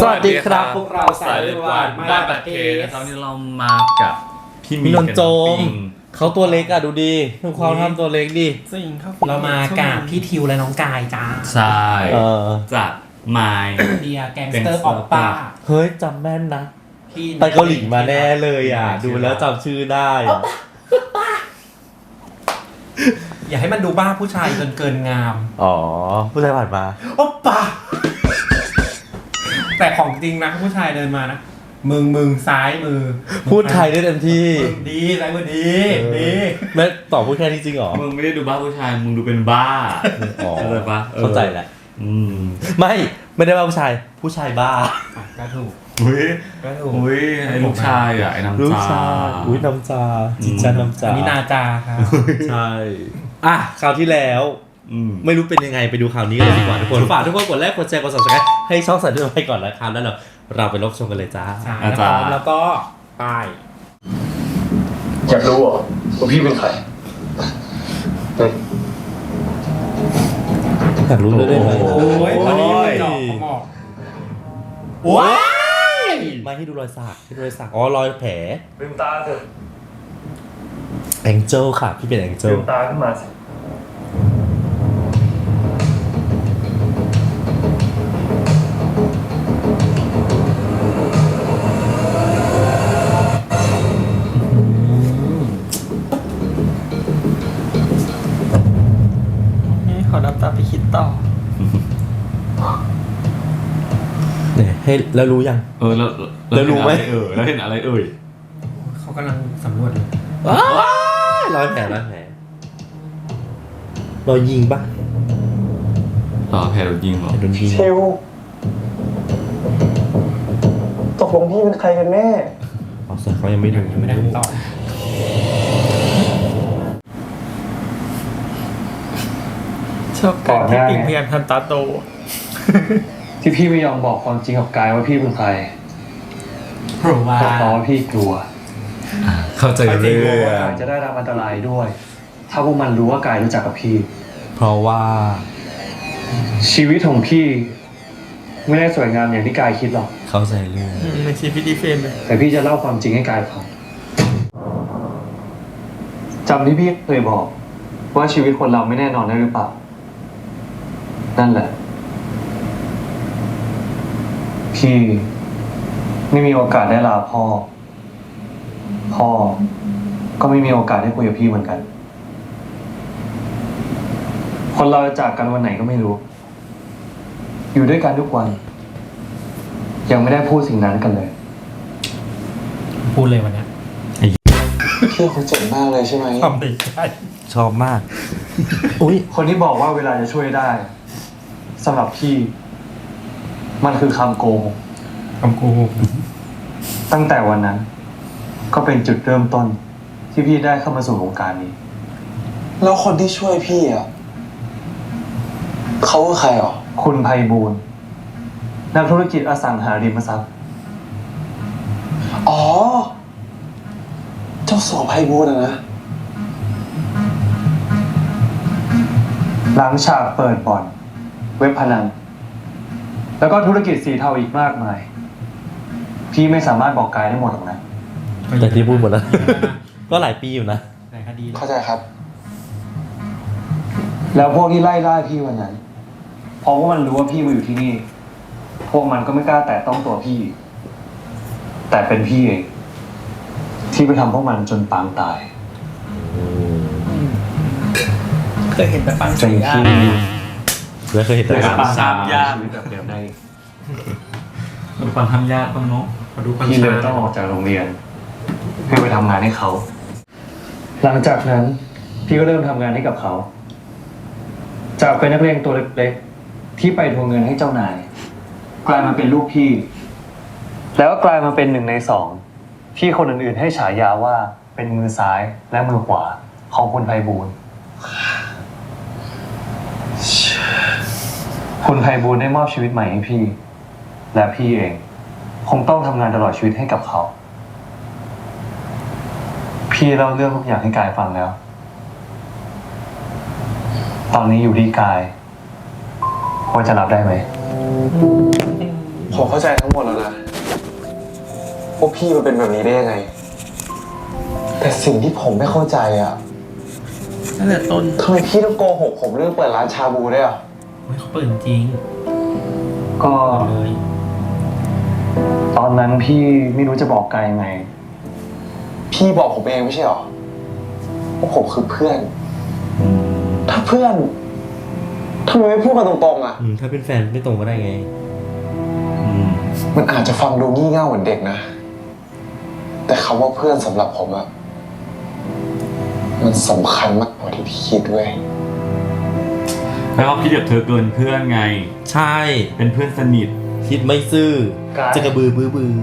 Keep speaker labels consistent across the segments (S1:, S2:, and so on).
S1: สวัสดีครับพวกเราสายหวานบ้านประเทศ
S2: ตอนนี้เรามากับพี่
S1: มีนนท์โจม
S2: ปิ้ง
S1: เขาตัวเล็กอ่ะดูดีดูความทำตัวเล็กดิ
S3: จริงครับ
S4: เรามากับพี่ทิวและน้องกายจ้า
S2: ใช่ จากไมล์
S4: เดียแกงสเตอร์ออกป้า
S1: เฮ้ยจำแม่นนะ
S4: พี่
S1: ไปเกาหลีมาแน่เลยอ่ะ ดูแล้วจำชื่อได้อะ
S4: อย่าให้มันดูบ้าผู้ชายจนเกินงาม
S1: อ๋อ ผู้ชายผ่านมา
S4: โอ๊ปป้าแต่ของจริงนะผู้ชายเดินมานะมึงซ้ายมือ
S1: พูดไทยได้เต็มที่
S4: มึงดีซ้ายมือดีดี
S1: แม่ตอบพูดแค่นี้จริงเหรอ
S2: มึงไม่ได้ดูบ้าผู้ชายมึงดูเป็นบ้า
S1: อ๋อ
S2: เข้าใจปะ
S1: เข้าใจแหละ
S2: อืม
S1: ไม่ได้ว่าผู้ชาย ผู้ชายบ้า
S4: อ่ะก็ถูก
S2: อุ้ย
S4: ก็ถูก
S2: อุ้ยไอ้ลูกชายอ่ะไอ้น้ำ
S1: ลูก
S2: จา
S1: ชายอุ้ยน้ำจาจิตจ้าน้ำจา
S4: อันนี้นาจาครับ
S1: ใช่ อ่ะคราวที่แล้ว
S2: อืม
S1: ไม่รู้เป็นยังไงไปดูข่าวนี้กันเลยดีกว่าทุกคนฝากทุกคนกดไลค์กดแชร์กด subscribe ให้ช่องสายด้วยไปก่อนนะครับแล้วเราไปรับชมกันเลยจ้า
S4: ใช่แล้วพร้อมแล้วก็ไป
S5: อยากรู้เหรอว่าพี่เป็นใคร
S1: อยากรู้เลยได้ไหม
S4: โอ้ยวันนี้มือจอกเขาบอกว้าย
S1: ไม่ให้ดูรอยสักให้ดูรอยสักอ๋อรอยแผล
S5: ลืมตาเถอะ
S1: แองเจิลค่ะพี่เป็นแองเจิ
S5: ลื
S1: ล
S5: มตาขึ้นมาสิ
S3: นี่ขอดับตาไปคิดต่อ
S1: เนี่ยให้แล้วรู้ยัง แล้วรู้ไหม
S2: แล้วเห็นอะไรเอ่ย
S4: เขากำลังสำรวจอยู่
S1: รอยแผลรอยยิงปะ
S2: ต่อแผลโดนยิงเหรอ
S1: โดนยิง
S5: เชลตกลงพี่เป็นใครกันแน่
S1: อ๋อแต่เขายังไม่ดู
S4: ยังไม่ได้คำตอบ
S3: ชอบการที่ปิงพยายามทำตาโต
S5: ที่พี่ไม่ยอมบอกความจริงกับกายว่าพี่เป็นใคร
S4: เพราะว่า
S5: ก็เพราะว่าพี่กลัว
S2: เข้าใจ
S5: พี่
S2: เรื่
S5: กลัว
S2: อ
S5: ว่าง กายจะได้รับอันตรายด้วย ถ้าพวกมันรู้ว่ากายรู้จักกับพี่
S1: เพราะว่า
S5: ชีวิตของพี่ ไม่ได้สวยงามอย่างที่กายคิดหรอก
S1: เข้าใจเรื่อง
S3: ในชีวิตดีเฟนเลย
S5: แต่พี่จะเล่าความจริงให้กายฟังจำที่พี่เคยบอก ว่าชีวิตคนเราไม่แน่นอนได้หรือเปล่า นั่นแหละ พี่ไม่มีโอกาสได้ลาพ่อ พ่อก็ไม่มีโอกาสได้คุยกับพี่เหมือนกัน คนเราจะจากกันวันไหนก็ไม่รู้ อยู่ด้วยกันทุกวัน ยังไม่ได้พูดสิ่งนั้นกันเลย
S4: พูดเลยวันเนี้ย
S5: พี่คงเจ็บมากเลยใช่ไหม
S4: ทำได้ใช่
S1: ชอบมาก อุ้ย
S5: คนที่บอกว่าเวลาจะช่วยได้สำหรับพี่ มันคือคำโกหก
S4: คำโกหก
S5: ตั้งแต่วันนั้น ก็เป็นจุดเริ่มต้น ที่พี่ได้เข้ามาสู่วงการนี้
S6: แล้วคนที่ช่วยพี่อ่ะเขาคือใครอ่ะ
S5: คุณไพบูลย์นักธุรกิจอสังหาริมทรัพย์
S6: อ๋อ เจ้าสัวไพบูลย์อะนะ
S5: หลังฉากเปิดบ่อน เว็บพนัน แล้วก็ธุรกิจสีเทาอีกมากมาย พี่ไม่สามารถบอกกายได้หมดหรอกนะ
S1: แต่ที่พูดหมดแล้ว ก็หลายปีอยู่นะ
S4: ในคดี
S6: เข้าใจครับ
S5: แล้วพวกที่ไล่ล่าพี่วันนั้นเพราะว่ามันรู้ว่าพี่มาอยู่ที่นี่ พวกมันก็ไม่กล้าแตะต้องตัวพี่ แต่เป็นพี่เองที่ไปทำพวกมันจนปางตาย
S3: เคยเห็นแต่ปัง
S5: จน
S3: สี
S5: พี่
S1: แล้วเคยเห็นแต่
S5: ได้
S1: การ
S5: ปาง
S2: สา
S5: ตาย
S2: มยาก
S5: ชีวิตแบบเดิมได้
S2: มันความทำยากบ้างเนาะ
S4: ขอดูความ
S5: พี่เลย
S4: ช้า
S5: ต้องออกจากโรงเรียนเพื่อไปทำงานให้เขา หลังจากนั้น พี่ก็เริ่มทำงานให้กับเขา จากเป็นนักเรียนตัวเล็กๆที่ไปทวงเงินให้เจ้านาย กลายมาเป็นลูกพี่ แล้วก็กลายมาเป็น1 ใน 2ที่คนอื่นๆให้ฉายาว่าเป็นมือซ้ายและมือขวาของคุณไพบูลย์คุณไพบูลย์ได้มอบชีวิตใหม่ให้พี่ และพี่เอง คงต้องทำงานตลอดชีวิตให้กับเขา พี่เล่าเรื่องทุกอย่างให้กายฟังแล้ว ตอนนี้อยู่ที่กายว่าจะรับได้ไหม
S6: ผมเข้าใจทั้งหมดแล้วนะว่าพี่มันเป็นแบบนี้ได้ยังไง แต่สิ่งที่ผมไม่เข้าใจอ่ะ
S3: ตั้งแต่ต้น
S6: ทำไมพี่ต้องโกหกผมเรื่องเปิดร้านชาบูด้วยอ่ะ
S3: เขาเปิดจริง
S5: ก็
S3: เลย
S5: ตอนนั้นพี่ไม่รู้จะบอกกายยังไง
S6: พี่บอกผมเองไม่ใช่หรอว่าผมคือเพื่อน ถ้าเพื่อนทำไมไม่พูดกันตรงๆอ่ะ
S1: ถ้าเป็นแฟนไม่ตรงก็ได้ไง
S6: มันอาจจะฟังดูงี่เง่าเหมือนเด็กนะ แต่คำว่าเพื่อนสำหรับผมอะมันสำคัญมากกว่าที่พี่คิดเว้ย
S2: แปลว่าพี่เดียบเธอเกินเพื่อนไง
S1: ใช่
S2: เป็นเพื่อนสนิท
S1: คิดไม่ซื่อ
S5: กาย
S1: จะกระบือบือบือน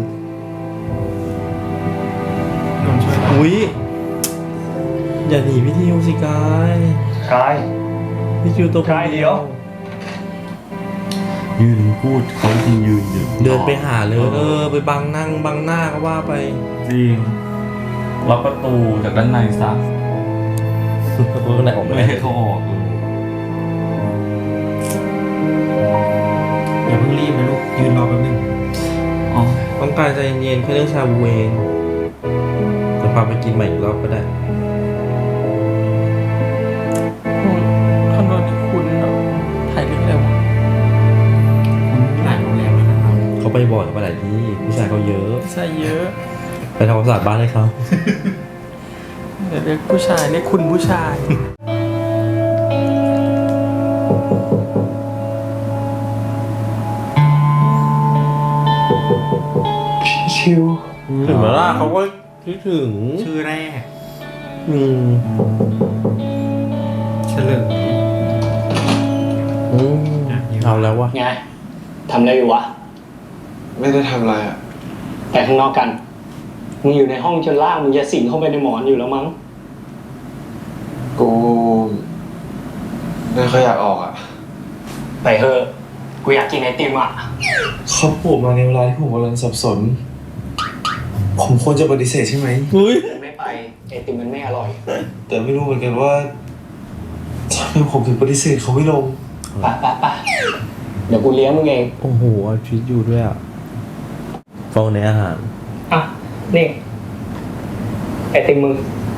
S3: นท์ช่วย
S1: อุ้ยอย่าหนีพี่ทิวสิกาย
S5: กาย
S1: พี่ทิวตัวคน
S5: กายเดี๋ยว
S2: ยืนพูดเขาจริงยืนอยู่
S1: เดินไปหาเลยไปบังนั่งบังหน้าก็ว่าไป
S2: จริงล็อกประตูจากด้านในซะ
S1: ประตูข้างในออก
S2: ไม่
S1: ไม่ได้
S2: ให้เขาออกเลย
S3: อย่าเพิ่งรีบนะลูกยืนรอแป๊บนึง
S2: อ๋อ
S1: ต้องการใจเย็นๆแค่เรื่องชาบูเองจะพาไปกินใหม่อีกรอบก็ได้
S3: คอนโดนี่คุณเนาะถ่ายเรื่องอะไรวะคุณหลายโรงแรมแล้วนะครับ
S1: เขาไปบ่อยเขาไปหลายที่ผู้ชายเขาเยอะ
S3: ใช่เยอะ
S1: ไปทำความสะอาดบ้านให้เขา
S3: เดี๋ยวเรียกผู้ชายเรียกคุณผู้ชาย
S6: ชิว
S1: ถึงเวลาเขาก็คิดถึง
S3: ชื่อแรก
S1: อืม
S3: เฉลิม
S1: เอาแล้ววะ
S7: ไง ทำอะไรอยู่วะ
S6: ไม่ได้ทำอะไรอ่ะ
S7: ไปข้างนอกกัน มึงอยู่ในห้องจนล่างมึงจะสิงเข้าไปในหมอนอยู่แล้วมั้ง
S6: กูไม่ค่อยอยากออกอ่ะ
S7: ไปเถอะ กูอยากกินไอติมอ่ะ
S6: เขาปลูกมาในเวลาที่ผมกำลังสับสน ผมควรจะปฏิเสธใช่ไหม
S1: อุ้ย
S7: ไม่ไป ไอติมมันไม่อร่อย
S6: แต่ไม่รู้เหมือนกันว่าทำไมผมถึงปฏิเสธเขาไม่ลง
S7: ไปเดี๋ยวกูเลี้ยงมึงเอง
S1: โอ้โหเอาชีวิตอยู่ด้วยอ่ะฟองในอาหาร
S7: อ่ะ นี่ ไอติมมึง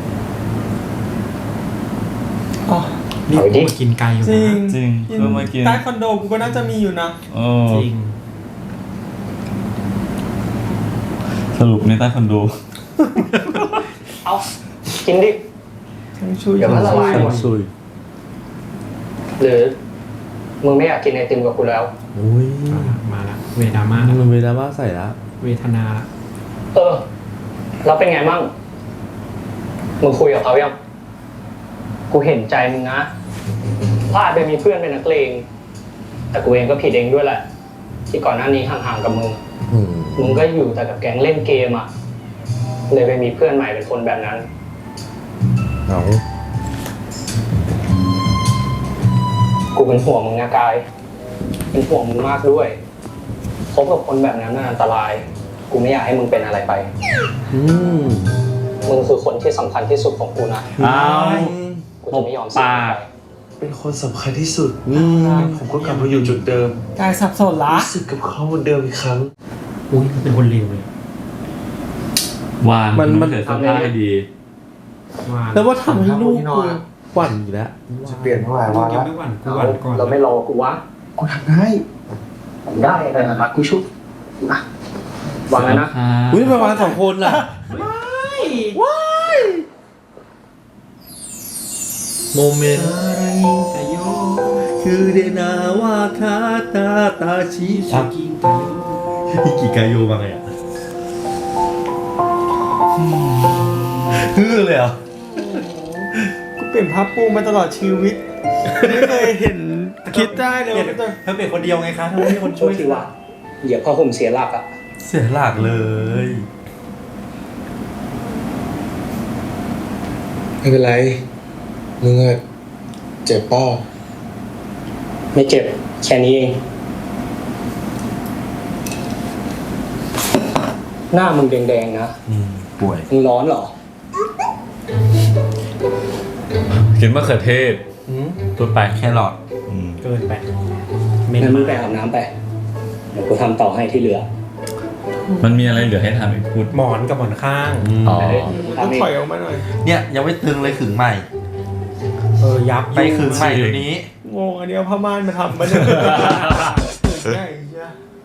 S3: อ๋อนี่
S7: เอาดิ
S3: กูมากินไก่อยู่
S2: จริง
S3: นะ
S2: จริงเพิ่งมากิน
S3: ใต้คอนโดกูก็น่าจะมีอยู่นะ
S2: เออ
S3: จริง
S2: สรุปในใต้คอนโด
S7: เอากินดิ
S3: ทั้งช่วย
S7: เดี๋ยวมันละลายหมด
S1: ซุย
S7: หรือ มึงไม่อยากกินไอติมกับกูแล้ว
S1: อุ้ย
S3: มาละเวดามา
S1: มันเวลาว่าใส่ละ
S3: เวทนาละ
S7: เออ เราเป็นไงมั่ง มึงคุยกับเขายัง กูเห็นใจมึงนะ พลาดไปมีเพื่อนเป็นนักเลง แต่กูเองก็ผิดเองด้วยแหละ ที่ก่อนหน้านี้ห่างๆกับมึง
S1: อืม
S7: มึงก็อยู่แต่กับแก๊งเล่นเกมอ่ะ เลยไปมีเพื่อนใหม่เป็นคนแบบนั้น
S1: เอา
S7: กูเป็นห่วงมึงนะกาย เป็นห่วงมึงมากด้วยคบกับคนแบบนั้นมันอันตราย กูไม่อยากให้มึงเป็นอะไรไป
S1: อืม
S7: มึงคือคนที่สำคัญที่สุดของกูนะ
S2: อ้าว
S7: กูจะไม่ยอมเสียมึงไป
S6: เป็นคนสำคัญที่สุด
S1: อืม
S6: ผมก็กลับมาอยู่จุดเดิม
S3: กายสับสนละ
S6: รู้สึกกับเขาเหมือนเดิมอีกครั้ง
S3: อุ้ยมันเป็นคนเลวเลย
S2: วานมันเกิดสภาพให้ดี
S3: ว่า
S1: แล้วว่าทำให้ลูก
S6: ที่น
S1: กู
S6: อนอะ
S1: หวั่นอีกแล้ว
S6: จะเปลี่ยนเท่าไหร่
S3: ลู
S6: วาก
S3: ยัง
S6: ละ
S3: ไม่หวั่นกูหวั่นก่อน
S7: เราไม่รอกูวะ
S6: กูทำได้
S7: ได้เลยนะกูชุบนะวางแล้วนะ
S1: อุ้ยทำไมวางสองคนล่ะว้ายโมเมนต์
S3: ใจโย
S1: คือเดนาวาคาตาตาชิ
S3: ชิกิงไก่โย
S1: ฮิกิกายโยมาไงอ่ะฮือเลยเหรอ่ะ
S3: กูเปลี่ยนภาพปูมาตลอดชีวิต ไม่เคยเห็นคิดได้เลยว่าจะ
S1: เธอเป็นคนเดียวไงคะทำไมมีคนช่วย
S7: ทีว่าเหยียบผ้าห่มเสียหลักอ่ะ
S1: เสียหลักเลย
S6: ไม่เป็นไร มึงอะเจ็บเป้า
S7: ไม่เจ็บ แค่นี้เอง หน้ามึงแดงๆนะ
S1: ป่วย
S7: มึงร้อนเหรอ
S2: กินมะเขือเทศพูดไป
S1: แครอท
S2: อืม
S3: เกินไป
S7: งั้นมึงไปอาบน้ำไปเดี๋ยวกูทำต่อให้ที่เหลือ
S2: มันมีอะไรเหลือให้ทำอีกพูด
S4: หมอนกับหมอนข้าง
S2: อ๋อ
S3: ต้องถอยออกมาหน่อย
S1: เนี่ยยังไม่ตึงเลยขึงใหม่
S4: ยับ
S1: ไปขึงใหม่เดี๋ยวนี้
S3: งงอันนี้เอาผ้าม่านมาทำมาเนี่ยใช่ใช่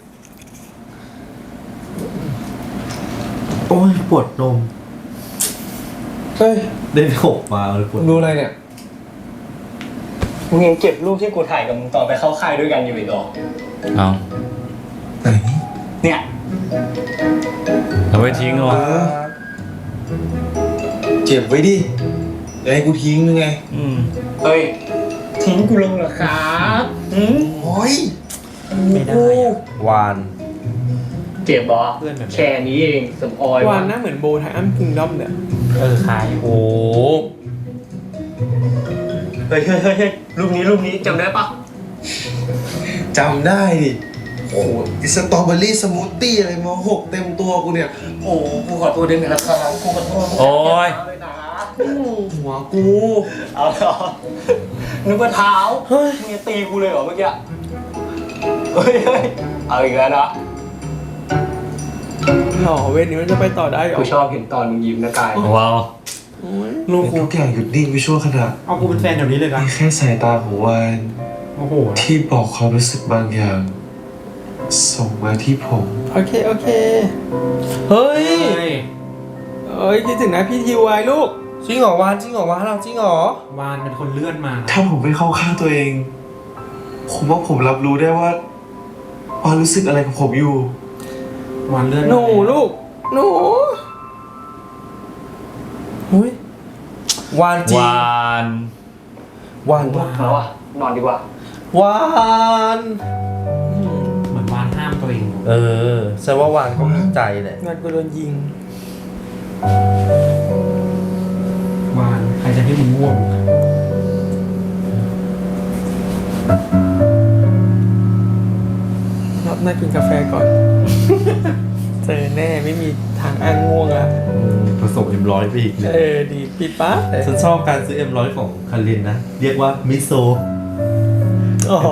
S1: โอ้ยปวดนม
S5: เฮ้ย
S1: เดินหกมาเลยปวด
S5: ดูอะไรเนี่ย
S7: มึงยังเก็บรูปที่กูถ่ายกับมึงตอนไปเข้าค่ายด้วยกันอยู่อีกเหรอ
S2: เอา
S5: ไหน
S7: เนี่ย
S2: เอาไว้ทิ้งเหรอ
S5: เก็บไว้ดิจะให้กูทิ้งยังไง
S2: อืม
S7: เฮ้ย ทิ้งกูลงเหรอครับหืม
S5: โอ้ย
S4: ไม่ได้อะ
S1: วาน
S7: เจ็บเหรอ
S4: เพื่อนแบบนี้
S7: แค่นี้เองสมออยว
S3: านหน้าเหมือนโบไทอัมคิงดอมเนี่ย
S4: คล้าย
S1: โอ้
S7: เฮ้ยรูปนี้จำได้ปะ
S5: จำได้ดิโอ้โหสตรอเบอรี่สมูทตี้อะไรมา6 เต็มตัวกูเนี่ย
S7: โอ้กูขอโทษด้วยนะครับกูขอโทษ
S2: โอ้ย
S5: หัวกู
S7: เอาเหรอนึกว่าเท้าเฮ้ยมึงจะตีกูเลยเหรอเมื่อกี้เฮ้ยเอาอีกแล้วนะ
S3: หล่อเวทนี้มันจะไปต่อได้เหรอ
S7: กูชอบเห็นตอนมึงยิ้มนะกาย
S2: ว้าว
S3: โอ้ย
S5: โลกทุกอย่างหยุดนิ่งไปชั่วขณะ
S4: เอากูเป็นแฟนเดี๋ยวนี้เลยนะ
S5: มีแค่สายตาของวาน
S4: โอ้โห
S5: ที่บอกความรู้สึกบางอย่าง ส่งมาที่ผม
S3: โอเคเฮ้ย
S4: เฮ้ย
S3: เอ้ยคิดถึงนะพี่ทีวายลูก
S1: จริงเหรอวานจริงเหรอวานเราจริงเหรอ
S4: วานเป็นคนเลื่อนมานะ
S5: ถ้าผมไม่เข้าข้างตัวเอง ผมว่าผมรับรู้ได้ว่ารู้สึกอะไรกับผมอยู่
S4: วานเลื่อน
S3: หนูลูกหนู
S1: หุ้ย วานจริง
S2: วาน
S1: วาน
S7: แล้วอ่ะนอนดีกว่า
S1: วาน
S4: เหมือนวานห้ามตัวเอง
S1: เออแสดงว่าวานก็มีใจแหละ
S3: งานกูโดนยิง
S4: วานใครจะให้มึงง่วง
S3: รอบหน้ากินกาแฟก่อน เจอแน่ไม่มีทางอ้างง่วงอ่ะ
S1: ผสมM100ไปอีกเนี่ย
S3: ดีปิดปั๊บเลย
S1: ฉันชอบการซื้อM100ของคารินนะ เรียกว่ามิโซ
S3: อ๋อ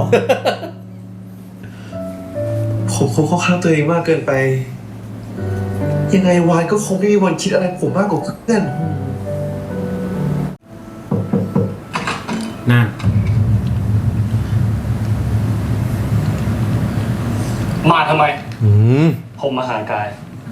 S5: ผมคงเข้าข้างตัวเองมากเกินไป ยังไงวานก็คงไม่มีวันคิดอะไรผมมากกว่าเพื่อน
S4: นั่น
S7: มาทำไม
S1: อืม
S7: ผมมาหากาย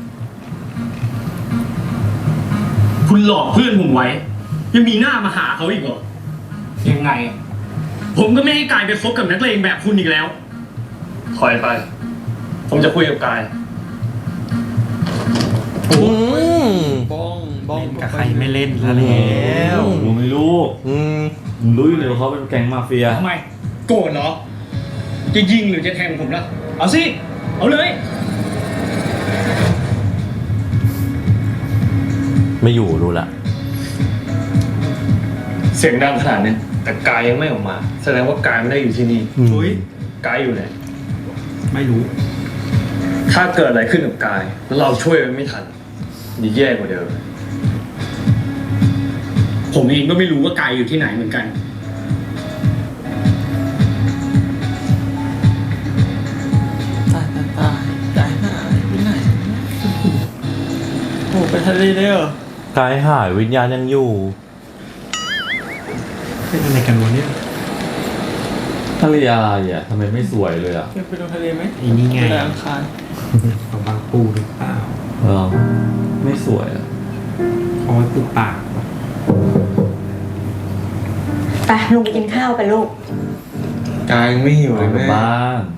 S7: คุณหลอกเพื่อนผมไว้ ยังมีหน้ามาหาเขาอีกเหรอ ยังไง ผมก็ไม่ให้กายไปคบกับนักเลงแบบคุณอีกแล้ว ถอยไป ผมจะคุยกับกาย
S1: อืม
S3: บ้อง
S4: เล่นกับใครไม่เล่นแล้ว
S2: รู้ไม่รู้
S1: อืม
S2: มึงรู้อยู่เลยว่าเขาเป็นแก๊งมาเฟีย
S7: ทำไม โกรธเหรอ จะยิงหรือจะแทงผมล่ะ เอาสิ เอาเลย
S1: ไม่อยู่รู้ละ
S6: เสียงดังขนาดนี้แต่กายยังไม่ออกมา แสดงว่ากายไม่ได้อยู่ที่นี่
S1: เฮ้ย
S6: กายอยู่ไหน
S4: ไม่รู้
S6: ถ้าเกิดอะไรขึ้นกับกาย แล้วเราช่วยมันไม่ทันยิ่งแย่กว่าเดิม
S7: ผมเองก็ไม่รู้ว่ากายอยู่ที่ไหนเหมือนกัน
S3: ตายหายไปไหนโอ้ไปทะเลได้เหรอก
S1: ายหายวิญญาณยังอยู่
S4: เป็นอะไรกันวะเนี่ย
S2: ทะเลอะไรอ่ะทำไมไม่สวยเลยอ่ะ
S3: ไปดูทะเลไหม
S4: อีนี่ไง
S3: ไปอังคาร
S4: ของบางปูหรือเปล่า
S2: เออไม่สวยอ่ะ
S4: คอยปูปาก
S8: ไปลุงไปกินข้าวไปลูก
S5: กายยังไม่หิวเลย
S2: กลับ
S5: แม่
S2: บ้าน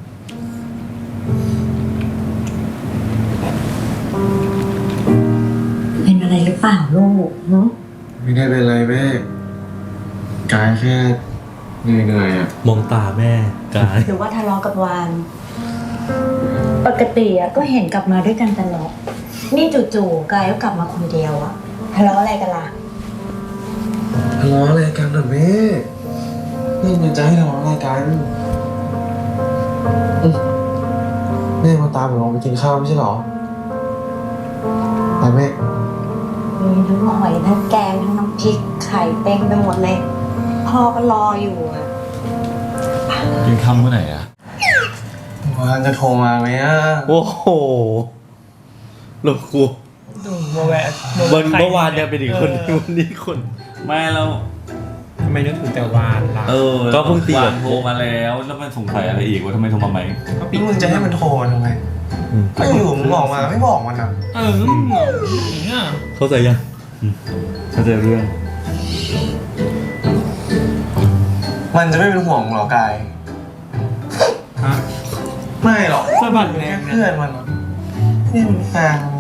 S8: เป็นอะไรหรือเปล่าลูกเนาะ
S5: ไม่ได้เป็นไรแม่กายแค่เหนื่อยๆอ่ะ
S1: มองตาแม่กาย
S8: หรือว่าทะเลาะกับวาน ปกติอะก็เห็นกลับมาด้วยกันตลอด นี่จู่ๆกายก็กลับมาคนเดียวอะทะเลาะอะไรกันล่ะ
S5: ทะเลาะอะไรกันน่ะแม่นี่มันจะให้ทะเลาะอะไรกันแม่มาตามผมลงไปกินข้าวไม่ใช่เหรอไปแม่
S8: มีทั้งหอยทั้งแกงทั้งน้ำพริกไข่เต็มไปหมดเลย พ่อก็รออยู่อะ
S2: กินข้าวเมื่อไหร่อ่ะ
S6: วันจะโทรมาไหมอ่ะ
S1: โอ้โหลูกกู
S3: มาแวะ
S1: เมื่อวานเนี่ยเป็นอีกคนวันนี้คน
S2: ไม่แล้ว
S4: ทำไมนึกถึงแต่วานล่ะ
S1: ก็เพิ่งตี
S2: วา
S1: กับ
S2: นโทรมาแล้วแล้วมันสงสัยอะไรอีกว่าทำไมโทรมาไหม
S4: ก็ปิด
S6: มึงจะให้มันโทรทำไมก็อยู่มึงบอกมาไม่บอกมันอ่ะ
S3: เนี่ย
S1: เข้าใจยัง
S2: เข้าใจเรื่อง
S6: มันจะไม่เป็นห่วงมึงหรอกาย
S4: ฮะ
S6: ไม่หรอก
S3: สะบัดแร
S6: แค่
S3: ง
S6: เพื่อนมันนี่มันแฟนมี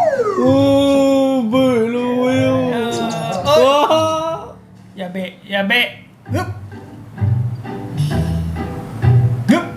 S1: บื้อรู้อยู่
S3: อย่าเบะอย่าเบะฮึบฮึบ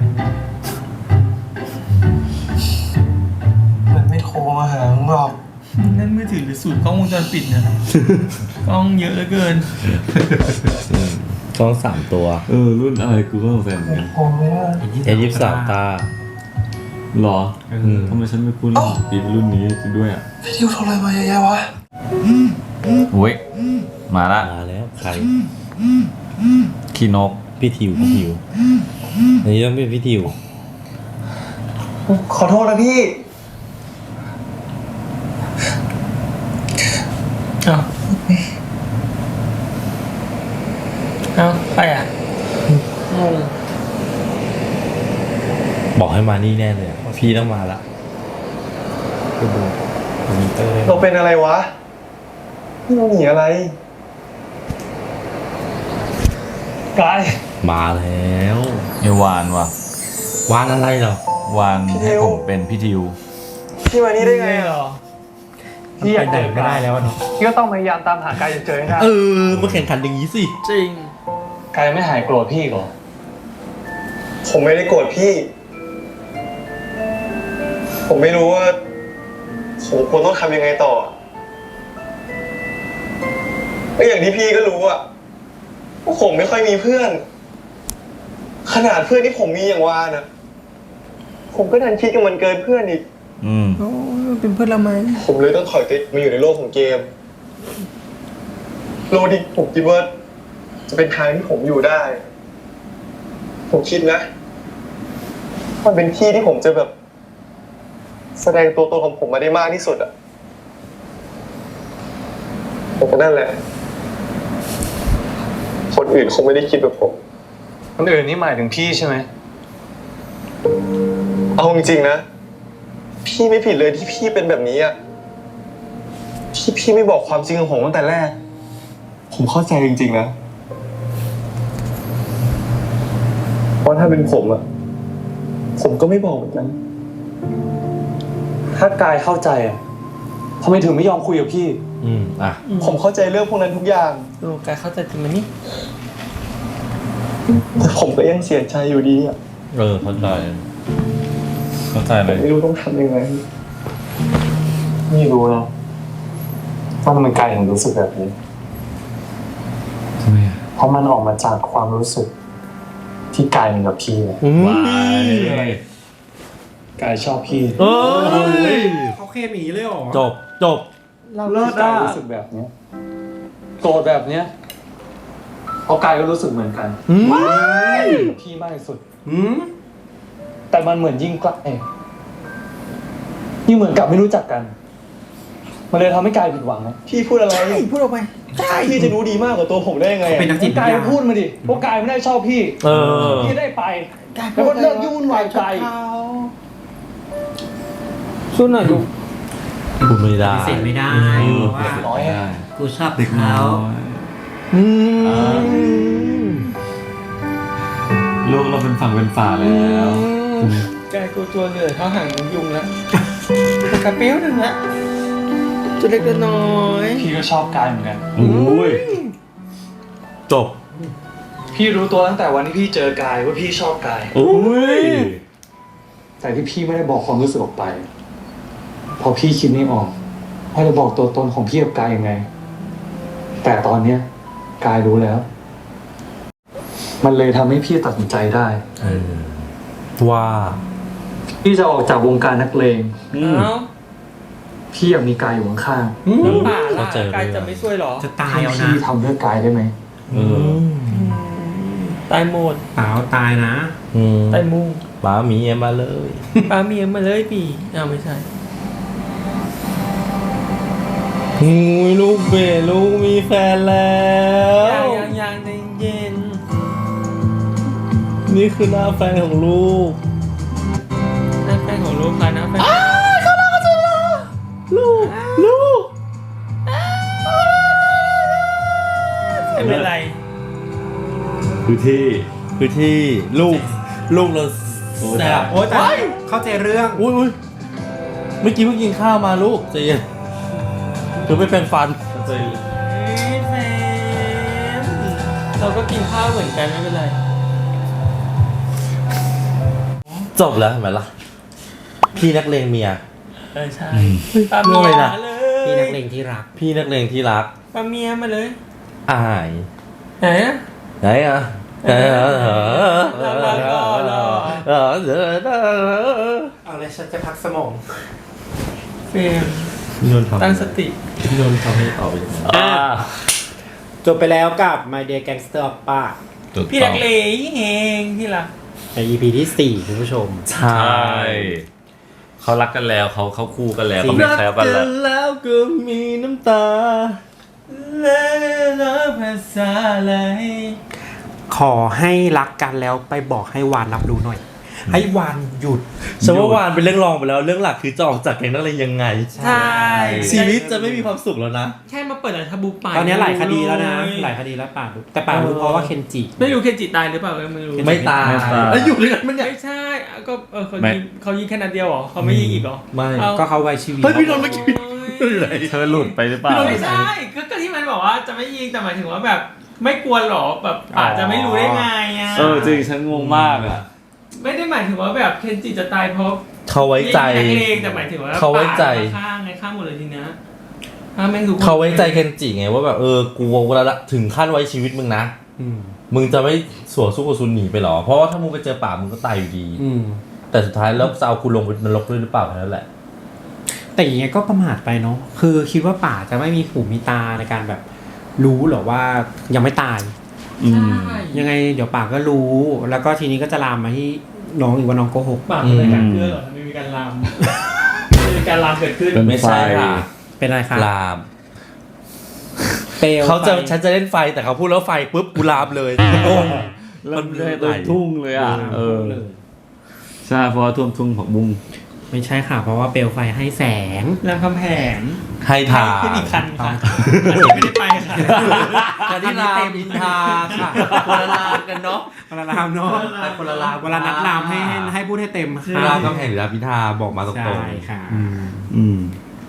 S6: มันไม่โทรมาหามึงหรอก
S3: นั่นมือถือหรือสูตรกล้องวงจรปิดเนี่ยกล้องเยอะเหลือเกิน
S1: กล้อง3 ตัว
S2: รุ่นอะไรกูก็สงสัยเหมือนกัน
S6: โทรไม่ได้
S1: A23 ตา
S2: หรอ
S1: อืม
S2: ทำไมฉันไม่คุ้นปีรุ่นนี้ด้วยอ่ะ
S6: พี่ดิวโทรอะไรมาเยอะแยะวะ
S2: เว้ยมาละ
S1: มาแล้วใคร
S2: คีนก
S1: พี่ทิวอันนี้ต้องเป็นพี่ทิว
S6: ขอโทษนะพี่
S3: เอาเอาไปอ่ะงง
S1: บอกให้มานี่แน่เลยอะพี่ต้องมาละก็ดูมอนิเตอร์ได้
S6: เราเป็นอะไรวะเราหนีอะไร
S7: กาย
S1: มาแล้ว
S2: ไอวานว่ะ
S1: วานอะไรเหรอ
S2: วานให้ผมเป็นพี่ทิว
S6: พี่มานี่ได้ไง
S3: เหร
S6: อ่ะ
S3: อ
S4: พี่อยากเดินก็ได้แล้วอะเนาะ
S7: พี่ก็ต้องพยายามตามหากายจนเจอให้ได้
S1: มาแข่งขันอย่างนี้สิ
S3: จริง
S7: กายไม่หายโกรธพี่ก่อน
S6: ผมไม่ได้โกรธพี่ ผมไม่รู้ว่าผมควรต้องทำยังไงต่อก็อย่างที่พี่ก็รู้อะว่าผมไม่ค่อยมีเพื่อน ขนาดเพื่อนที่ผมมีอย่างวานอะผมก็ดันคิดกับมันเกินเพื่อนอีก
S2: อืม
S3: โอ้ยเป็นเพื่อนเราไหม
S6: ผมเลยต้องถอยติดมาอยู่ในโลกของเกม โลกที่ผมคิดว่าจะเป็นทางที่ผมอยู่ได้ ผมคิดนะ มันเป็นที่ที่ผมจะแบบ แสดงตัวตนของผมมาได้มากที่สุดอะผมก็นั่นแหละ คนอื่นคงไม่ได้คิดแบบผม คนอื่นนี่หมายถึงพี่ใช่ไหม เอาจริงๆนะ พี่ไม่ผิดเลยที่พี่เป็นแบบนี้อะที่พี่ไม่บอกความจริงของผมตั้งแต่แรก ผมเข้าใจจริงๆนะเพราะถ้าเป็นผมอะผมก็ไม่บอกเหมือนกัน ถ้ากายเข้าใจอะทำไมถึงไม่ยอมคุยกับพี่
S1: อ่ะ
S6: ผมเข้าใจเรื่องพวกนั้นทุกอย่าง
S3: ดูกายเข้าใจจริงไหมนี่
S6: แต่ผมก็ยังเสียใจอยู่ดีอะ
S1: เข้าใจ
S2: เข้าใจ
S6: ผ
S2: เล
S6: ม
S2: ย
S6: ไม่รู้ต้องทำยังไงไม่รู้หรอกว่าทำไมกายถึงรู้สึกแบบนี้
S2: ทำไมอ่ะ
S6: เพราะมันออกมาจากความรู้สึก ที่กายมีกับพี่อะ
S2: วาย
S6: กายชอบพี่
S4: เขาเคมีเลยเหรอ
S1: จบ
S6: เลิศกายรู้สึกแบบเนี้ยโกรธแบบเนี้ยเพราะกายก็รู้สึกเหมือนกันพี่มากที่สุดแต่มันเหมือนยิ่งใกล้ยิ่งเหมือนกับไม่รู้จักกัน มันเลยทำให้กายผิดหวังนะพี่พูดอะไร
S3: พูดออกไป
S6: พี่จะรู้ดีมากกว่าตัวผมได้ยังไง
S4: เขาเป็นนักจิตวิท
S6: กาย
S4: ยา
S6: พูดมาดิเพราะกายไม่ได้ชอบพี่ พี่ได้ไป แล้วก็เลิกยุ่งวุ่นวายใจ
S3: ช่วยหน่อยดู
S1: พูดไม่ได้
S4: ปฏิเสธไม่ได้ว่า
S6: น้อยอะ
S4: กูชอบ
S2: เด็ก
S4: เขา
S2: น้อยลูกเราเป็นฝั่งเป็นฝาแล้ว
S3: กายกูตัวเหนื่อยเท่าหางยุงแล้วกระเปี้ยวหนึ่งละตัวเล็กตัวน้อย
S6: พี่ก็ชอบกายเหมือนกัน
S2: โอ้ย
S1: จบ
S6: พี่รู้ตัวตั้งแต่วันที่พี่เจอกายว่าพี่ชอบกาย
S1: โอ้ย
S6: แต่ที่พี่ไม่ได้บอกความรู้สึกออกไปเพราะพี่คิดไม่ออกว่าจะบอกตัวตนของพี่กับกายยังไง แต่ตอนเนี้ยกายรู้แล้ว มันเลยทำให้พี่ตัดสินใจได้
S1: ว่า
S6: พี่จะออกจากวงการนักเลง
S3: เอ้า
S6: พี่อยากมีกายอยู่ข้าง
S3: น้ำป่าล่ะ
S1: เข้าใจเลย
S3: กายจะไม่ช่วยหรอ
S4: จะ
S6: ๆ
S4: ตาย
S6: ให้
S4: เอานะ
S6: พี่ทำเพื่อกายได้ไหม
S2: เออ
S3: ตายหมด
S4: เปล่าตายนะ
S3: ไต้มุง
S1: ป๋าหมีมาเลย
S3: ปาเมียมาเลยปีไม่ใช่
S1: ลูกเบลูกมีแฟนแล้ว
S3: ยังใจเย็น
S1: นี่คือหน้าแฟนของลูก
S3: หน้าแฟนของลูกค่ะหน้าแฟน
S1: ลูก
S3: ไม่เป็นไร
S2: คือที่
S1: คือที่ลูกเราแซ่บ
S4: โอ้แต่เข้าใจเรื่อง
S1: อุ้ยเมื่อกี้เพิ่งกินข้าวมาลูกใจเย็นคือไม่เป็นฟัน
S3: แฟนเราก็กินข้าวเหมือนกันไม่เป็นไร
S1: จบแล้วเห็นไหมล่ะ พี่นักเลงเมีย
S3: ใช่ปาเมี
S1: เรื่องอะไร
S3: ย
S1: นะ
S3: เลย
S4: พี่นักเลงที่รัก
S1: พี่นักเลงที่รัก
S3: ปาเมียมาเลย
S1: อาย
S3: ไหนอะ
S1: ไหนอ่ะเออ
S4: เอาเลยฉันจะพักสมอง
S3: เฟรม
S1: พี่นนท์ทำ
S3: ตั้งสติ
S1: พี่นนท์ทำให้ออกไปอย่างนั้น
S4: จบไปแล้วกับ My Dear Gangster Oppa
S3: พี่นักเลงเฮงที่รัก
S4: ใน EP ที่ 4 คุณผู้ชม
S1: ใช่
S2: ใช่เขารักกันแล้วเขาคู่กันแล้วเขาไม่แคล้วกันแล้ว
S1: แล้วก็มีน้ำตา
S3: แล้วภาษาอะไร
S4: ขอให้รักกันแล้วไปบอกให้วานรับรู้หน่อย ให้วานหยุด
S1: ฉันว่าวานเป็นเรื่องรองไปแล้ว เรื่องหลักคือจะออกจากแก๊งนักเลงยังไง
S3: ใช่
S1: ชีวิตจะไม่มีความสุขแล้วนะ
S3: แค่มาเปิดร้านทาบูไป
S4: ตอนนี้หลายคดีแล้วนะ หลายคดีแล้วป่ารู้แต่ป่ารู้เพราะว่าเคนจิ
S3: ไม่รู้เคนจิตายหรือเปล่าไม่รู้
S1: ไม่ตาย
S2: ไม่ตาย
S1: แล้วอยู่ด้วยกันมันเนี่ย
S3: ไม่ใช่ก็เขา
S2: ไม่
S3: ยิงแค่นัดเดียวเหรอเขาไม่ยิงอีกเหรอ
S1: ไม่
S3: เอา
S4: ก็เขาไว้ชีวิต
S1: เฮ้ยพี่นนท์เมื่อกี้ ไหน
S2: เธอหลุดไปหรือเปล่า
S3: ไม่ใช่ก็ที่มันบอกว่าจะไม่ยิงแต่หมายถึงว่าแบบไม่กลัวหรอแบบอาจจะไม่รู้ได้ไงอ่ะ
S2: จริงฉันงงมากอ่ะ
S3: ไม่ได้หมายถึงว่าแบบเคนจิจะตายเพราะ
S1: เขาไว้ใจ
S3: ยิงเองแต่หมายถึงว่า
S1: เขาไว้ใจ
S3: ข้างไงข้างหมดเลยทีเนี้ยถ้าแม่งทุกคน
S1: เขาไว้ใจเคนจิไงว่าแบบกูเวลาถึงขั้นไว้ชีวิตมึงนะ
S4: อืม
S1: มึงจะไม่สวนสู้กับซุนหนีไปหรอ เพราะว่าถ้ามึงไปเจอป่ามึงก็ตายอยู่ดี
S4: อืม
S1: แต่สุดท้ายแล้วจะเอาคุณลงไปนรกด้วยหรือเปล่าแค่นั้นแหละ
S4: แต่อย่างเงี้ยก็ประมาทไปเนาะ คือคิดว่าป่าจะไม่มีหูมีตาในการแบบรู้หรอว่ายังไม่ตาย
S2: อืม
S3: ใช่
S4: ยังไงเดี๋ยวป่าก็รู้ แล้วก็ทีนี้ก็จะลามมาที่น้องอีกว่าน้องโกหก
S3: ปากเป็นการเพื่อเหรอไม่มีการลามไม่มีการลามเกิดขึ้น
S2: เป็น
S1: ไม่ใช่ค่ะ
S4: เป็นอะไรคะ
S1: ลาม
S4: เปลว
S1: เขาจะ
S4: ไฟ
S1: ฉันจะเล่นไฟแต่เขาพูดแล้วไฟปุ๊บกูลามเลยงง
S2: มันเลยเต็มทุ่งเลยอ่ะ
S4: เลย
S2: ใช่เพราะว่าท่วมทุ่งผักบุ้ง
S4: ไม่ใช่ค่ะ เพราะว่าเปลวไฟให้แสง
S3: รามคำแหง
S1: ให้ทา
S3: ขึ้นอีกคันค่ะอันนี้ไม่ได้ไปค่ะ
S1: แต่ที่รามอินทราค่ะคนละรามกันเนาะ
S4: คนละรามเนาะ
S1: แต่คนละราม
S4: เวลานัดรามให้พูดให้เต็มค่ะ
S1: รามคำแหงหรือรามอินทราบอกมาตร
S4: ใช่
S1: ง
S4: ค่ะ
S2: อืม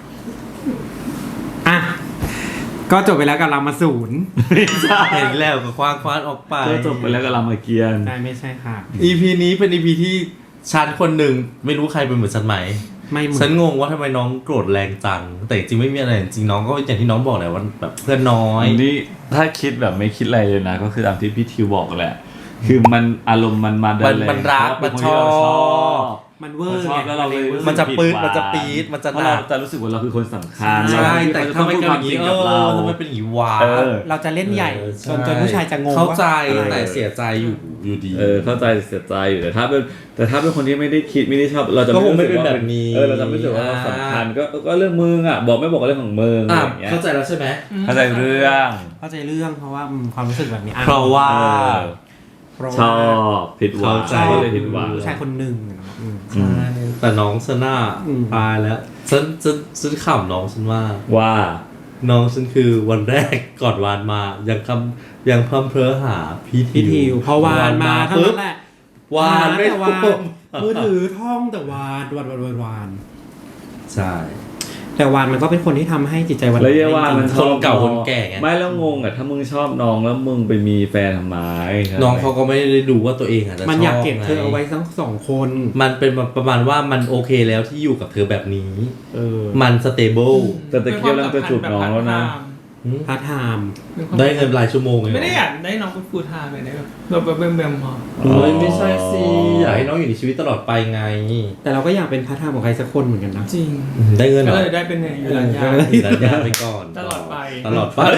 S4: อ่ะ ก็จบไปแล้วกับรามาศูนย์
S1: ๆเห็นแล้วก็คว้างออกไป
S2: ก็จบไปแล้วกับรามเกียรติ์
S4: ใช่ไม่ใช่ค่ะ
S1: EP นี้เป็น EP ที่ฉันคนหนึ่งไม่รู้ใครเป็นเหมือนฉันไหม
S4: ไม่เหมือ
S1: ฉัน
S4: น
S1: งงว่าทำไมน้องโกรธแรงจัง แต่จริงๆไม่มีอะไรจริงๆน้องก็อย่างที่น้องบอกแหละว่าแบบเพื่อนน้อย
S2: นี่ถ้าคิดแบบไม่คิดอะไรเลยนะ ก็คือตามที่พี่ทิวบอกแหละ คือมันอารมณ์มันมาได้เลย
S1: มันรัก
S2: เพาะว่าเป็
S1: มัน
S2: ค
S1: ชอบ
S2: ที่เราชอบ
S4: มันเวอ
S2: มัน
S4: ร์
S2: ชอบ
S4: ไง
S2: แล้วเราเลย
S1: มันจะปื๊ด
S2: ผิหวัง
S1: มันจะปี๊ดมันจะ
S2: เพราะ
S1: หนั
S2: เรา
S1: ก
S2: จะรู้สึกว่าเราคือคนสำคัญ
S1: ใช่แต่
S2: เรา
S1: ทำไม
S2: พูด
S1: เกิด
S2: ค
S1: อ
S2: วาม
S1: ย่าง
S2: จริ
S1: นี้
S2: งกับเรา
S1: ทำไมเป็นอย่างนี้วะ
S4: เราจะเล่นใหญ่
S1: ใช่
S4: จนผู้ชายจะงง
S1: เข้าใจ
S4: ว่า
S1: แต่เสียใจอยู่ดี
S2: เข้าใจเสียใจอยู่แต่ถ้าเป็นคนที่ไม่ได้คิดไม่ได้ชอบเราจะ
S1: ก็คงไม่
S2: รู้สึ
S1: เป็นแบบนี้
S2: เราจะไม่รู้สึกว่าเราสำคัญก็เรื่องมึงอ่ะบอกไม่บอกก็เรื่องของมึงอะไรอย่างเงี้ย
S1: เข้าใจแล้วใช่ไหม
S2: เข้าใจเรื่อง
S4: เข้าใจเรื่องเพราะว่าความรู้สึกแบบนี้อ่
S1: เพราะว่า
S4: เพราะ
S2: ช
S4: ว่า
S2: อบผิดหวัง
S1: เข้าใจ
S2: ก็เลยผิดหวัง
S4: ผู้ชายคนหนึ่งอืม
S1: ใช่แต่น้องฉันน่ะ
S4: อืม
S1: ตายแล้วฉันขำน้องฉันว่า
S2: ว่า
S1: น้องฉันคือวันแรกก่อนวานมายังพร่ำเพ้อหาพี่
S4: พี่ทิวพอวานมาเท่า
S1: ปุ๊บ
S4: นั้นแหละ
S1: วานไม่
S4: แต่วาน
S1: ท่วม
S4: มือถือท่องแต่วาน
S1: ใช่
S4: แต่วานมันก็เป็นคนที่ทำให้จิตใจวัน
S2: แล้วเยาว่ามัน
S1: คนเก่าคนแก่ไง
S2: ไม่แล้วงงอ่ะถ้ามึงชอบน้องแล้วมึงไปมีแฟนทำไม
S1: น้องเขาก็ไม่ได้ดูว่าตัวเองอ่ะจะ
S4: มันอยากเก็บ
S1: ช
S4: เธอเอาไว้ทั้งสองคน
S1: มันเป็นประมาณว่ามันโอเคแล้วที่อยู่กับเธอแบบนี้
S4: เออ
S1: มันสเตเบิล
S2: แต่ตะเกียบแล้วจะจูบน้องแล้วนะ
S4: พาร์ทไทม์
S1: ได้เงินรายชั่วโมงเลย
S3: ไม่ได้อยากได้น้องเป็นฟูลไทม์เลยนะแบบแบมๆพอ
S1: โอ้ยไม่ใช่สิอยากให้น้องอยู่ในชีวิตตลอดไปไง
S4: แต่เราก็อยากเป็นพาร์ทไทม์ของใครสักคนเหมือนกันนะ
S3: จริง
S1: ได้เงินเหร
S3: ก็
S1: อ
S3: เลยได้เป็นอยู่ร้านยา
S1: อยู่ร้านยาไปก่อน
S3: ตลอดไป
S1: ตลอดไป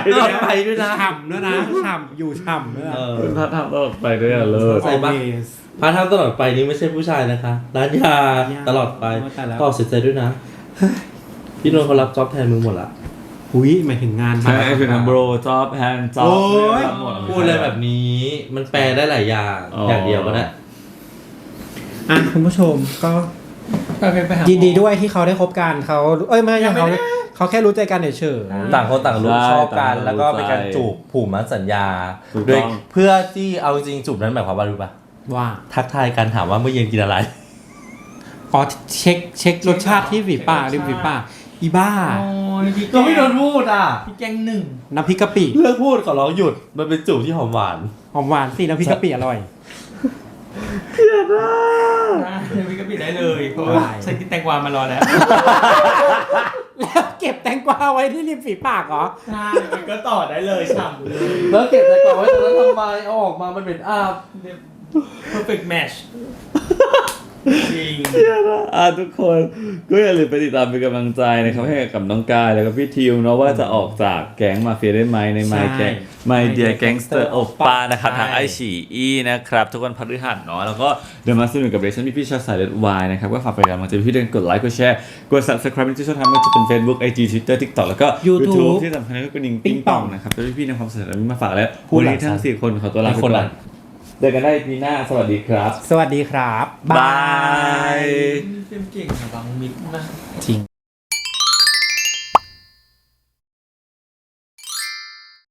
S1: ด้วยนะ
S4: ฉ่ำด้วยนะฉ่ำอยู่ฉ่ำด้วยนะ
S1: เออ
S2: ถ้าทำตลอดไปด้วยอะเลิศ
S1: ใส่ปะ
S4: Always
S1: พาร์ทไทม์ตลอดไปนี้ไม่ใช่ผู้ชายนะคะร้านยาตลอดไปก็เสียใจด้วยนะพี่นนท์เขารับจ็อบแทนมึงหมดละ
S4: อุ้ยหมายถึงงาน
S2: ใช่คือทำโบรจ็อบแฮนด์จ็อบ
S1: โอ้ย
S2: หมด
S1: พูดอะไรแบบนี้มันแปลได้หลายอย่างอย่างเดียวก็ได้
S4: อ่ะคุณผู้ชมก็
S3: ไปหาหมอ
S4: ยินดีด้วยที่เขาได้คบกันเขาไม่ใช่เขาแค่รู้ใจกันเฉย
S1: ต่างคนต่างรู้ชอบกันแล้วก็เป็นการจูบผูกมัดสัญญาโดยเพื่อที่เอาจริงจูบนั้นหมายความว่ารู้ปะ
S4: ๆว่า
S1: ทักทายกันถามว่าเมื่อเย็นกินอะไร
S4: อ๋อเช็ครสชาติที่ฝีปากริมฝีปากอีบ้า
S3: โอ้ยพี่
S1: ก็ไม่โดนพูดอ่ะ
S3: พี่แกงหนึ่ง
S4: น้ำพริกกะปิ
S1: เลิกพูดขอร้องหยุดมันเป็นจูบที่หอมหวาน
S4: หอมหวานสิน้ำพริกกะปิอร่อย
S3: พี่ก็ปิดได้เลยเพราะว่าฉันกินแตงกวามารอแล้ว
S4: แล้วเก็บแตงกวาไว้ที่ริมฝีปากเหรอ
S3: ใช่มันก็ต่อได้เลยฉ่ำเลย
S1: แล้วเก็บแต่ก่อนไว้ตรงนั้นทำไมเอาออกมามันเป็นอาบ
S3: perfect match จริง
S2: ทุกคนก็อย่าลืมไปติดตามเป็นกำลังใจนะครับให้กับน้องกายแล้วก็พี่ทิวเนาะว่าจะออกจากแก๊งมาเฟียได้ไหมใน My
S4: ใช่
S2: Gang My Dear Gangster Oppa นะครับทางไอฉีอีนะครับทุกวันพฤหัสเนาะแล้วก็เดี๋ยวมาสนุกกับเรชั่นพี่ๆชาวสายเลือดวายนะครับก็ฝากไปกันมาจะพี่เดินกดไลค์กดแชร์กด subscribe ที่ช่องทางไม่ว่าจะเป็น Facebook IG Twitter TikTok แล้วก็
S4: YouTube
S2: ที่สำคัญก็เป็น
S4: ปิ๊ง
S2: ปิง
S4: ป่
S2: ป่
S4: อ
S2: อง งนะครับแล้วพี่ๆนำความสนุกนี้มาฝากแล้ว
S1: พูด
S2: วัน
S1: หลัง
S2: นี้ทั้ง
S1: ฉัน
S2: 4คนขอตัวลาไป
S1: คน
S2: ก่
S1: หลั
S2: อน
S1: ง
S2: เจอกันได้ปีหน้าสวัสดีครับ
S4: สวัสดีครับ
S2: บาย
S3: เก่งอะบางมิดมาก
S4: จริง